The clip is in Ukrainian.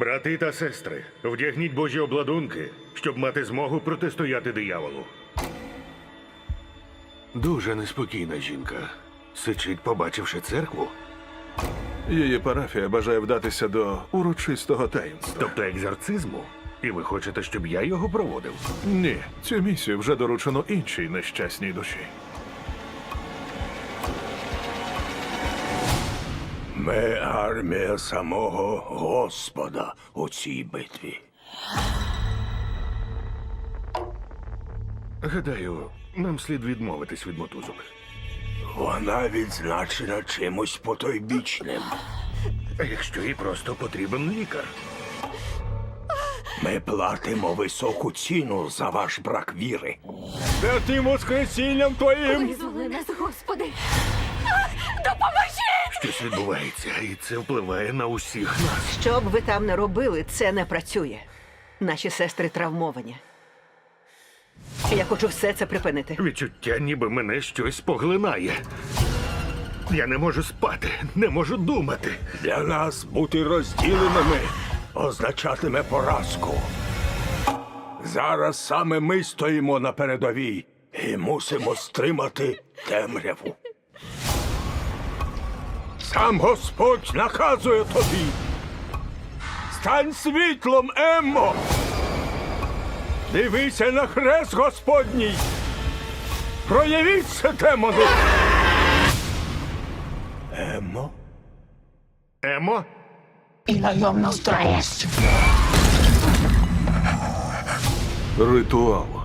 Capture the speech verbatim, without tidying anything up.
Брати та сестри, вдягніть божі обладунки, щоб мати змогу протистояти дияволу. Дуже неспокійна жінка. Сичить, побачивши церкву. Її парафія бажає вдатися до урочистого таїнства. Тобто екзорцизму? І ви хочете, щоб я його проводив? Ні, цю місію вже доручено іншій нещасній душі. Ми армія самого Господа у цій битві. Гадаю, нам слід відмовитись від мотузок. Вона відзначена чимось потойбічним. А якщо їй просто потрібен лікар? Ми платимо високу ціну за ваш брак віри. Святим воскресінням твоїм! Визволи нас, Господи! Допоможи! Щось відбувається, і це впливає на усіх нас. Що б ви там не робили, це не працює. Наші сестри травмовані. Я хочу все це припинити. Відчуття, ніби мене щось поглинає. Я не можу спати, не можу думати. Для нас бути розділеними означатиме поразку. Зараз саме ми стоїмо на передовій і мусимо стримати темряву. Сам Господь наказує тобі. Стань світлом, Еммо! Дивися на хрест Господній! Проявіться, демони! Еммо? Емо? Y lo íbamos traes. Ритуал.